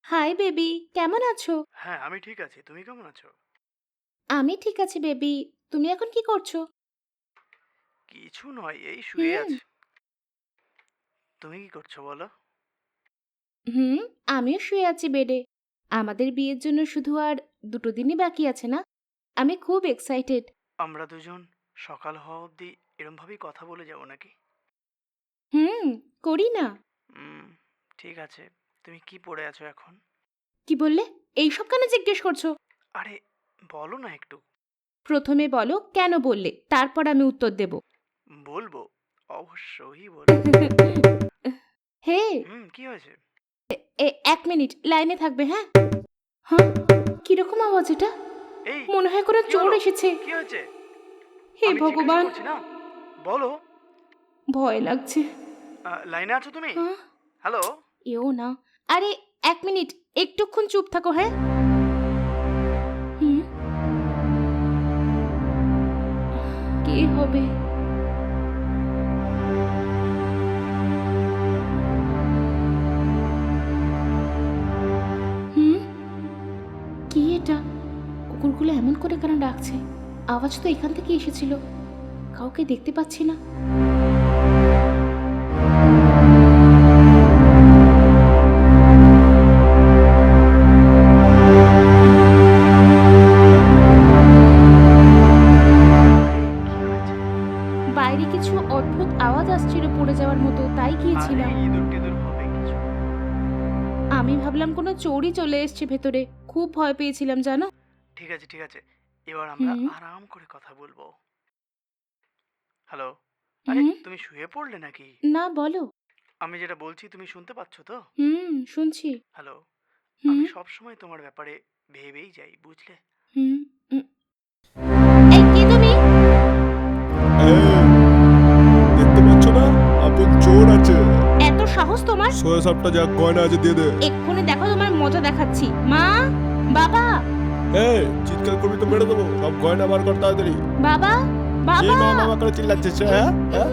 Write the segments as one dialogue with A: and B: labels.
A: Hi baby, কেমন আছো?
B: হ্যাঁ, আমি ঠিক আছি। তুমি কেমন আছো?
A: আমি ঠিক আছি বেবি। তুমি এখন কি করছো?
B: কিছু নয়, এই শুয়ে
A: হুম
B: আছি। তুমি কি করছো বলো?
A: হুম আমিও শুয়ে আছি বেডে। আমাদের বিয়ের জন্য শুধু আর 2 দিনই বাকি আছে না? আমি খুব এক্সাইটেড।
B: আমরা দুজন সকাল হওয়া অবধি এরমভাবেই কথা বলে যাবো নাকি?
A: হুম করি না।
B: হুম, ঠিক আছে। তুমি কি পড়ে আছো এখন?
A: কি বললে? এইসব কেন জিজ্ঞেস করছো?
B: আরে, বলো না একটু।
A: প্রথমে বলো কেন বললে, তারপর আমি উত্তর দেব।
B: বলবো, অবশ্যই বলবো।
A: হে,
B: কি হয়েছে?
A: 1 মিনিট লাইনে থাকবে, হ্যাঁ? হ্যাঁ, কিরকম আওয়াজ এটা?
B: এই,
A: মনে হয় কোনো
B: কি
A: চোর
B: হলো?
A: এসেছে।
B: কি হয়েছে?
A: হে
B: আমি জিজ্ঞাসা
A: ভগবান,
B: করছি না, বলো।
A: ভয় লাগছে।
B: লাইনে আছো তুমি?
A: হ্যাঁ,
B: হ্যালো?
A: এও না। আরে 1 মিনিট, একটুক্ষণ চুপ থাকো, হ্যাঁ? হুম, কে হবে? হুম, কি এটা? কুকুরগুলো এমন করে কেন ডাকছে? আওয়াজ তো এখান থেকে এসেছিল। কাউকে দেখতে পাচ্ছি না।
B: আরে, কি হয়েছে?
A: বাইরে কিছু অদ্ভুত আওয়াজ আসছিল পড়ে যাওয়ার মতো, তাই
B: আরে,
A: গিয়েছিলাম।
B: ইঁদুর টিঁদুর হবে কিছু।
A: আমি ভাবলাম কোনো চোরই চলে এসছে ভেতরে। খুব ভয় পেয়েছিলাম জানো।
B: ঠিক আছে, ঠিক আছে। এবার আমরা
A: হুম
B: আরাম করে কথা বলবো। হ্যালো? আরে,
A: হুম
B: তুমি শুয়ে পড়লে নাকি?
A: না, বলো।
B: আমি যেটা বলছি তুমি শুনতে পাচ্ছ তো?
A: শুনছি।
B: হ্যালো?
A: হুম
B: আমি সবসময় তোমার ব্যাপারে ভেবেই যাই, বুঝলে?
A: হুম উম, এই কে তুমি?
C: এই, দেখতে পাচ্ছ না? আপন চোর আছে।
A: এত সাহস তোমার?
C: সোয়া সাপটা যা গয়না আছে দিয়ে দে।
A: এক্ষুনি দেখো তোমার মজা দেখাচ্ছি। মা, বাবা,
C: এই, চিৎকার করবি তো মেরে দেবো। সব গয়না বার কর তাড়াতাড়ি।
A: বাবা,
C: কি
A: বাবা।
C: মা মামা করে চিল্লাচ্ছিস, হ্যাঁ হ্যাঁ?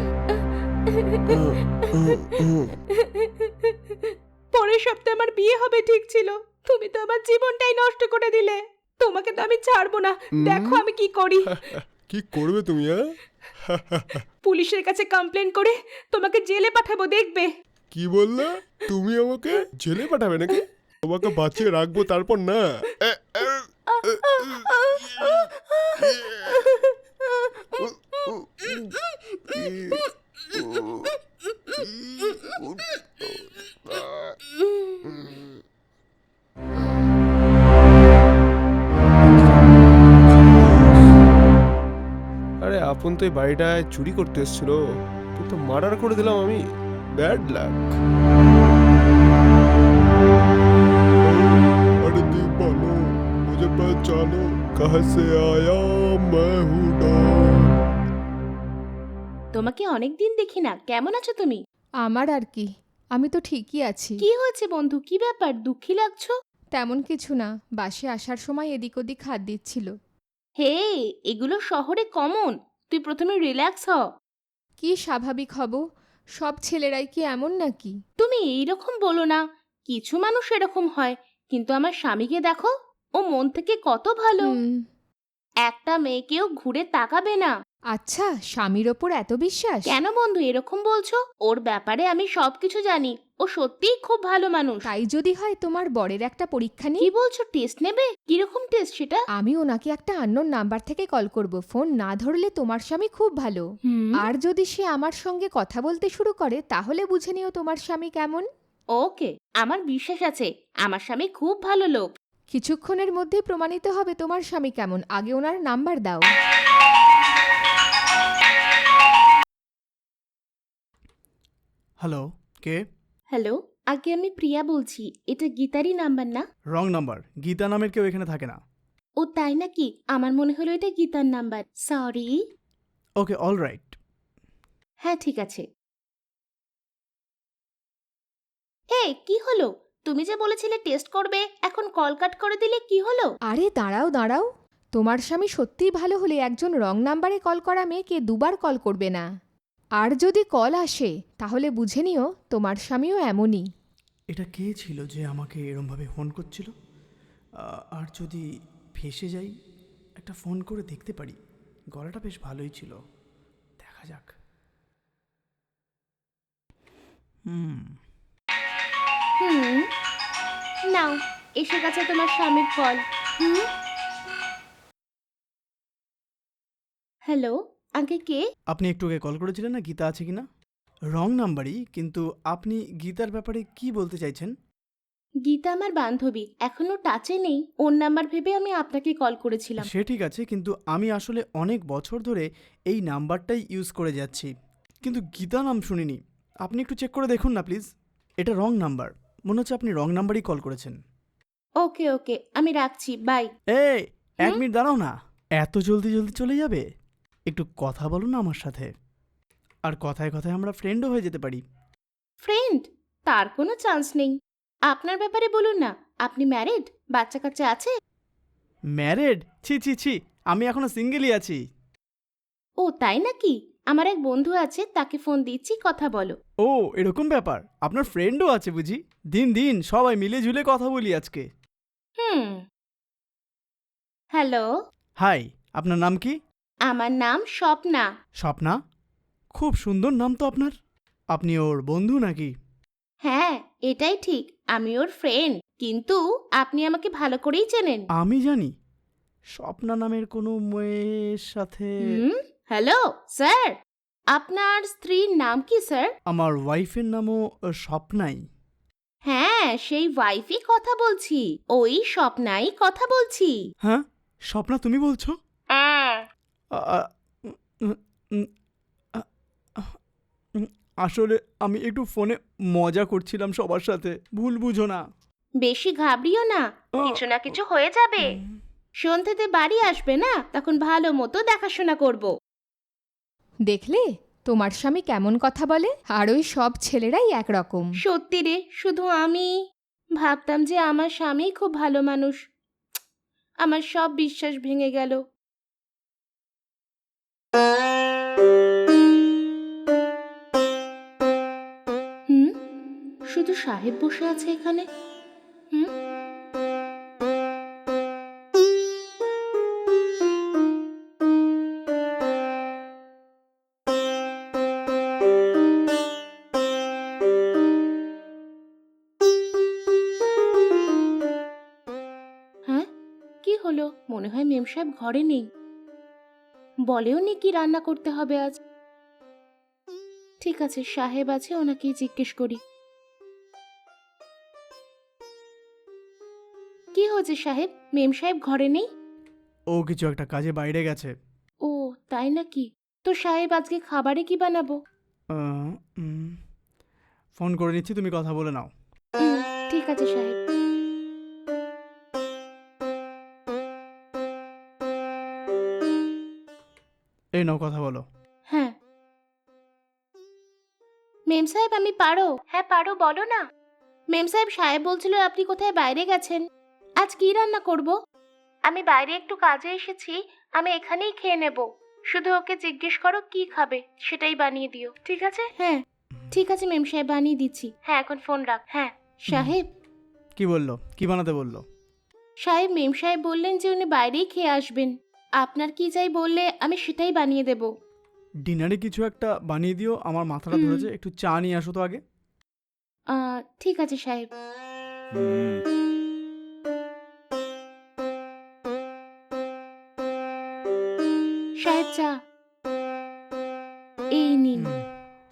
A: পরের সপ্তাহে আমার বিয়ে হবে ঠিক ছিল। তুমি তো আমার জীবনটাই নষ্ট করে দিলে। তোমাকে তো আমি ছাড়বো না। দেখো আমি কি করি।
C: কি করবে তুমি, হ্যাঁ?
A: পুলিশের কাছে কমপ্লেন করে তোমাকে জেলে পাঠাবো, দেখবে।
C: কি বললে? তুমি আমাকে জেলে পাঠাবে নাকি? তোমাকে বাঁচিয়ে রাখবো তারপর না। এ, এ, এ, উ, উ, ই, উ, ই, উ, আরে আপন তো এই বাড়িটায় চুরি করতে এসেছিল, কিন্তু মার্ডার করে দিলাম আমি। Bad luck. अरे दीवानो मुझे पहचानो कहाँ से आया मैं हूँ डॉन।
A: তোমাকে অনেক দিন দেখি না, কেমন আছো তুমি?
D: আমার আর কি, আমি তো ঠিকই আছি।
A: কি হয়েছে বন্ধু, কি ব্যাপার, দুঃখী লাগছো?
D: তেমন কিছু না, বাসে আসার সময় এদিক ওদিক হাত দিচ্ছিল।
A: হে, এগুলো শহরে কমন। তুই প্রথমে রিল্যাক্স হ।
D: কি স্বাভাবিক হব? সব ছেলেরাই কি এমন নাকি?
A: তুমি এইরকম বলো না। কিছু মানুষ এরকম হয়, কিন্তু আমার স্বামীকে দেখো। ও মন থেকে কত ভালো।
D: হুম।
A: একটা মেয়েকেও ঘুরে তাকাবে না।
D: আচ্ছা, স্বামীর ওপর এত বিশ্বাস?
A: কেন বন্ধু এরকম বলছো? ওর ব্যাপারে আমি সবকিছু জানি। ও সত্যিই খুব ভালো মানুষ।
D: তাই যদি হয় তোমার বরের একটা পরীক্ষা
A: কি
D: নিই।
A: বলছো, টেস্ট নেবে? কিরকম টেস্ট সেটা?
D: আমি ওনাকে একটা আননোন নাম্বার থেকে কল করব। ফোন না ধরলে তোমার স্বামী খুব ভালো।
A: হুম
D: আর যদি সে আমার সঙ্গে কথা বলতে শুরু করে তাহলে বুঝে নিও তোমার স্বামী কেমন।
A: ওকে, আমার বিশ্বাস আছে। আমার স্বামী খুব ভালো লোক।
D: কিছুক্ষণের মধ্যেই প্রমাণিত হবে তোমার স্বামী কেমন। আগে ওনার নাম্বার দাও।
B: হ্যালো? কে?
A: হ্যালো, আগে আমি প্রিয়া বলছি। এটা গীতারই নাম্বার না?
B: Wrong number. গীতা নামের কেউ এখানে থাকে না।
A: ও তাই নাকি? আমার মনে হলো এটা গীতার নাম্বার। সরি।
B: ওকে, অলরাইট।
A: হ্যাঁ ঠিক আছে। হে, কি হলো? তুমি যে বলেছিলে টেস্ট করবে, এখন কল কাট করে দিলে, কি হলো?
D: আরে দাঁড়াও দাঁড়াও, তোমার স্বামী সত্যিই ভালো হলে একজন রং নাম্বারে কল করা মেয়েকে দুবার কল করবে না। আর যদি কল আসে তাহলে বুঝে নিও তোমার স্বামীও এমনই।
B: এটা কে ছিল যে আমাকে এরমভাবে ফোন করছিল? আর যদি ফেঁসে যাই, একটা ফোন করে দেখতে পারি। গলাটা বেশ ভালোই ছিল, দেখা যাক।
A: হুম, নাও, এসে গেছে তোমার স্বামীর কল। হুম, হ্যালো, আগে কে?
B: আপনি একটু আগে কল করেছিলেন না, গীতা আছে কিনা? রং নাম্বারই, কিন্তু আপনি গীতার ব্যাপারে কি বলতে চাইছেন?
A: গীতা আমার বান্ধবী, এখনো টাচে নেই। ওর নাম্বার ভেবে আমি আপনাকে কল করেছিলাম।
B: সে ঠিক আছে, কিন্তু আমি আসলে অনেক বছর ধরে এই নাম্বারটাই ইউজ করে যাচ্ছি, কিন্তু গীতা নাম শুনিনি। আপনি একটু চেক করে দেখুন না প্লিজ। এটা রং নাম্বার, মনে হচ্ছে আপনি রং নাম্বারই কল করেছেন।
A: ওকে ওকে, আমি রাখছি, বাই।
B: এই, এক
A: হুম?
B: মিনিট দাঁড়াও না। এত জলদি জলদি চলে যাবে? একটু কথা বলো না আমার সাথে। আর কথায় কথায় আমরা ফ্রেন্ডও হয়ে যেতে পারি।
A: ফ্রেন্ড? তার কোনো চান্স নেই। আপনার ব্যাপারে বলুন না, আপনি ম্যারিড? বাচ্চা কাচ্চা আছে?
B: ম্যারেড? ছি ছি ছি, আমি এখনো সিঙ্গেলই আছি।
A: ও তাই নাকি? আমার এক বন্ধু আছে, তাকে ফোন দিচ্ছি, কথা বলো।
B: ও, এরকম ব্যাপার? আপনার ফ্রেন্ডও আছে বুঝি? দিন দিন সবাই মিলে ঝুলে কথা বলি আজকে।
A: হুম। হ্যালো,
B: হাই, আপনার নাম কি?
A: আমার নাম স্বপ্না।
B: স্বপ্না? খুব সুন্দর নাম তো আপনার। আপনি ওর বন্ধু নাকি?
A: হ্যাঁ, এটাই ঠিক, আমি ওর ফ্রেন্ড। কিন্তু আপনি আমাকে ভালো করেই চেনেন।
B: আমি জানি স্বপ্না নামের কোনো মেয়ের সাথে।
A: হ্যালো স্যার, আপনার স্ত্রীর নাম কি স্যার?
B: আমার ওয়াইফের নামও স্বপ্নাই।
A: হ্যাঁ, সেই ওয়াইফই কথা বলছি, ওই স্বপ্নাই কথা বলছি।
B: হ্যাঁ, স্বপ্না তুমি বলছো? আ- আ- উম, উম, আ- উম, আসলে আমি একটু ফোনে মজা করছিলাম সবার সাথে, ভুল বুঝো না।
A: বেশি ঘাবড়িও না, কিছু না কিছু হয়ে যাবে। সন্ধ্যেতে বাড়ি আসবে না, তখন ভালো মতো দেখাশোনা করব।
D: দেখলে তোমার স্বামী কেমন কথা বলে? আর ওই সব ছেলেরাই একরকম।
A: সত্যি রে, শুধু আমি ভাবতাম যে আমার স্বামী খুব ভালো মানুষ। আমার সব বিশ্বাস ভেঙে গেল। হুম, শুধু সাহেব বসে আছে এখানে। হুম, হ্যাঁ, কি হলো? মনে হয় মেম সাহেব ঘরে নেই। বলেও নি কি রান্না করতে হবে আজ। ঠিক আছে, সাহেব আছে, ওনাকেই জিজ্ঞেস করি। কি হয়েছে সাহেব? মেম সাহেব ঘরে নেই?
B: ও কিছু একটা কাজে বাইরে গেছে।
A: ও তাই নাকি? তো সাহেব আজকে খাবারে কি বানাবো?
B: আহ, উম, ফোন করে নিচ্ছি, তুমি কথা বলে নাও।
A: উম, ঠিক আছে সাহেব।
B: এই নাও, কথা বলো।
A: হ্যাঁ, মেম সাহেব আমি পারো। হ্যাঁ পারো, বলো না। মেম সাহেব, সাহেব বলছিল আপনি কোথায় বাইরে গেছেন। আজ কি রান্না করব? আমি বাইরে একটু কাজে এসেছি, আমি এখানেই খেয়ে নেব। শুধু ওকে জিজ্ঞেস করো কি খাবে, সেটাই বানিয়ে দিও, ঠিক আছে? হ্যাঁ ঠিক আছে মেম সাহেব, বানিয়ে দিচ্ছি। হ্যাঁ এখন ফোন রাখ। হ্যাঁ সাহেব।
B: কি বললো? কি বানাতে বললো?
A: সাহেব, মেম সাহেব বললেন যে উনি বাইরেই খেয়ে আসবেন। আপনার কি চাই বললে আমি সেটাই বানিয়ে দেব।
B: ডিনারে কিছু একটা বানিয়ে দিও, আমার মাথাটা ধরেছে। একটু চা নিয়ে আসো তো আগে।
A: ঠিক আছে সাহেব। সাহেব চা এই নিন।
B: হুম।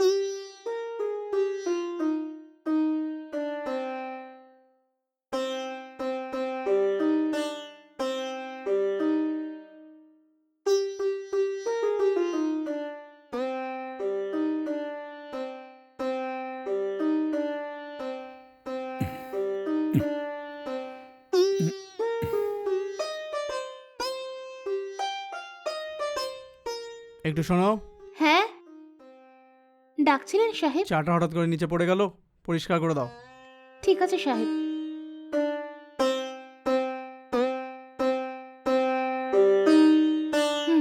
B: একটু শোনো।
A: হ্যাঁ, ডাকছিলেন সাহেব?
B: চাটা হঠাৎ করে নিচে পড়ে গেল, পরিষ্কার করে দাও।
A: ঠিক আছে সাহেব। হুম,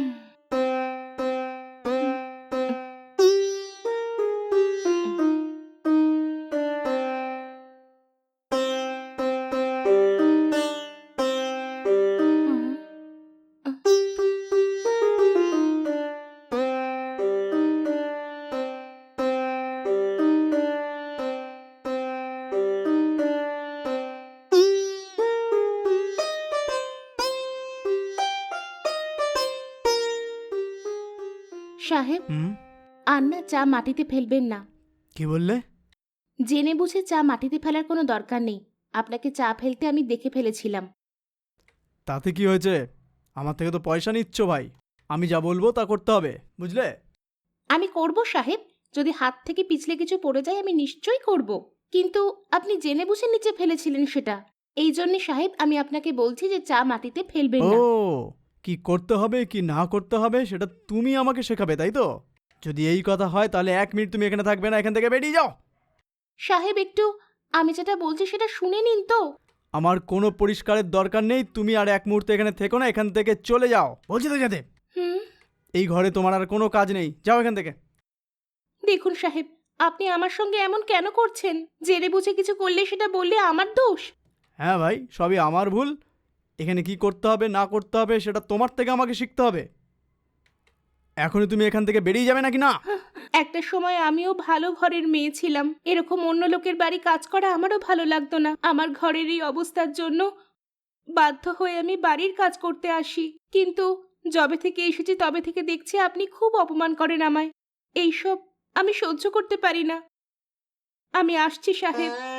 A: সাহেব,
B: হুম,
A: আর না চা মাটিতে ফেলবেন না।
B: কি বললে?
A: জেনে বুঝে চা মাটিতে ফেলার কোনো দরকার নেই। আপনাকে চা ফেলতে আমি দেখে ফেলেছিলাম।
B: তাতে কি হয়েছে? আমার থেকে তো পয়সা নিচ্ছ ভাই, আমি যা বলবো তা করতে হবে, বুঝলে?
A: আমি করব সাহেব, যদি হাত থেকে পিছলে কিছু পড়ে যায় আমি নিশ্চয়ই করব। কিন্তু আপনি জেনে বুঝে নিচে ফেলেছিলেন সেটা। এই জন্যে সাহেব আমি আপনাকে বলছি যে চা মাটিতে ফেলবেন
B: ও,
A: না।
B: কি করতে হবে কি না করতে হবে সেটা তুমি আমাকে শেখাবে, তাই তো? যদি এই কথা হয় তাহলে 1 মিনিট তুমি এখানে থাকবে না, এখান থেকে বেরিয়ে যাও।
A: সাহেব একটু, আমি যেটা বলছি সেটা শুনে নিন তো।
B: আমার কোনো পরিষ্কারের দরকার নেই, তুমি আর 1 মুহূর্ত এখানে থেকো না, এখান থেকে চলে যাও বলছি তো যেতে।
A: হুম,
B: এই ঘরে তোমার আর কোনো কাজ নেই, যাও এখান থেকে।
A: দেখুন সাহেব, আপনি আমার সঙ্গে এমন কেন করছেন? জেনে বুঝে কিছু করলে সেটা বললে আমার দোষ।
B: হ্যাঁ ভাই, সবই আমার ভুল। এখানে কি করতে হবে না করতে হবে সেটা তোমার থেকে আমাকে শিখতে হবে। এখনই তুমি এখান থেকে বেরিয়ে যাবে নাকি না?
A: একটা সময় আমিও ভালো ঘরের মেয়ে ছিলাম। এরকম অন্য লোকের বাড়ি কাজ করা আমারও ভালো লাগতো না। আমার ঘরের এই অবস্থার জন্য বাধ্য হয়ে আমি বাড়ির কাজ করতে আসি। কিন্তু যবে থেকে এসেছি তবে থেকে দেখছি আপনি খুব অপমান করেন আমায়। এইসব আমি সহ্য করতে পারি না। আমি আসছি সাহেব।